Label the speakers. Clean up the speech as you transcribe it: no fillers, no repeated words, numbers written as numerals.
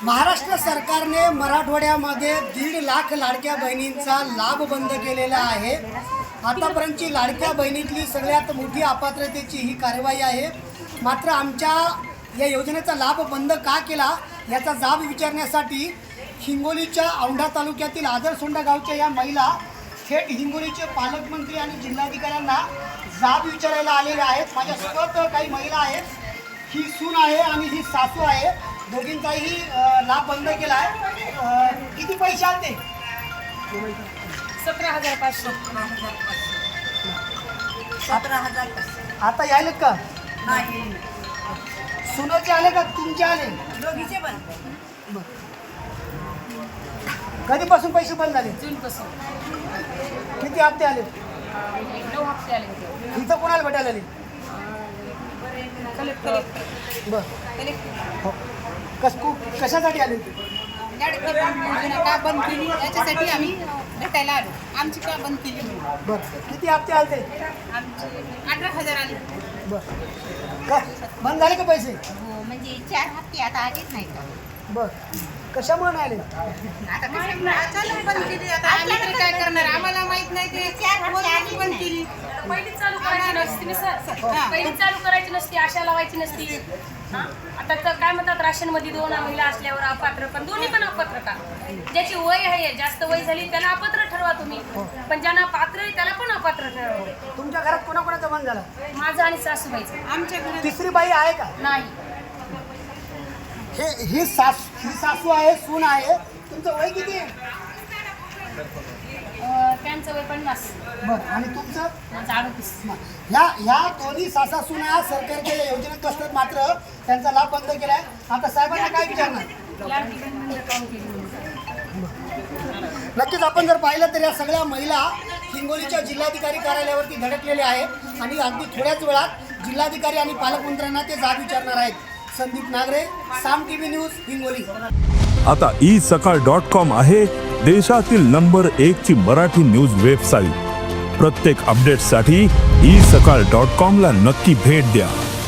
Speaker 1: महाराष्ट्र सरकारने मराठवाड्यामध्ये 1.5 लाख लाडक्या बहिणींचा लाभ बंद केलेला आहे। आतापर्यंतची लाडक्या बहिणीतली सगळ्यात मोठी अपात्रतेची ही कारवाई आहे। मात्र आमच्या या योजनेचा लाभ बंद का केला याचा जाब विचारण्यासाठी हिंगोलीच्या औंढा तालुक्यातील आदरसोंडा गावच्या या महिला थेट हिंगोलीचे पालकमंत्री आणि जिल्हाधिकाऱ्यांना जाब विचारायला आलेल्या आहेत। माझ्यासोबत काही महिला आहेत, ही सून आहे आणि ही सासू आहे। दोघींचाही लाभ बंद केला आहे। किती पैसे आले?
Speaker 2: 17,500.
Speaker 3: 17,500.
Speaker 1: आता यायलेत का?
Speaker 3: नाही,
Speaker 1: सुनाचे आले का तुमचे आले?
Speaker 3: दोघीचे पण.
Speaker 1: कधीपासून पैसे बंद झाले?
Speaker 2: जूनपासून
Speaker 1: किती हप्ते आले?
Speaker 2: 9 हप्ते आले होते.
Speaker 1: इथं कोणाला भेटायला आले?
Speaker 2: कलेक्टर
Speaker 1: बरं, हो. कशासाठी आले होते?
Speaker 3: लाडकी बहीण योजना का बंद केली याच्यासाठी आम्ही भेटायला आलो. आमची का बंद केली म्हणून.
Speaker 1: बरं, किती हप्ते आले ते?
Speaker 3: आमचे 18,000 आले.
Speaker 1: बरं, का बंद झाले का पैसे?
Speaker 3: हो, म्हणजे 4 हप्ते आता आलेच नाही का.
Speaker 1: बरं, कशामुळे नाही आले?
Speaker 3: आता अचानक बंद केली. आता आम्ही तरी काय करणार, आम्हाला माहित नाही ते 4 हप्ते बंद केली.
Speaker 2: पहिलीच चालू करायची नसती ना सर, पहिलीच चालू करायची नसती, आशा लावायची नसती. आता तर काय म्हणतात, राशनमध्ये 2 महिला असल्यावर अपात्र, पण दोन्ही पण अपात्र का? ज्याची वय आहे, जास्त वय झाली त्याला अपात्र ठरवा तुम्ही, पण ज्यांना पात्र आहे त्याला पण अपात्र ठरवा.
Speaker 1: तुमच्या घरात कोणाकोणाचा बंद झाला?
Speaker 2: माझं आणि सासूबाईचं.
Speaker 3: आमच्या घरात
Speaker 1: तिसरी बाई आहे का?
Speaker 2: नाही,
Speaker 1: ही सासू आहे, सून आहे. तुमचं वय किती आहे?
Speaker 2: त्यांचं वय 50.
Speaker 1: बरं, आणि तुमचं?
Speaker 2: माझं 38.
Speaker 1: ह्या दोन्ही सासा सुना सरकारच्या या योजनेत असतात, मात्र त्यांचा लाभ बंद केलाय। आता साहेबांना काय विचारणार?
Speaker 2: लाडकी बहीण म्हणजे काम केली म्हणून.
Speaker 1: नक्कीच आपण जर पाहिलं तर या सगळ्या महिला हिंगोलीच्या जिल्हाधिकारी कार्यालयावरती धडकलेल्या आहेत आणि अगदी थोड्याच वेळात जिल्हाधिकारी आणि पालकमंत्र्यांना ते जाब विचारणार आहेत। Sandeep Nagare, Saam TV news, Hingoli.
Speaker 4: आता isakal.com आहे देशातील नंबर 1 ची मराठी न्यूज वेबसाईट। प्रत्येक अपडेटसाठी isakal.com ला नक्की भेट द्या।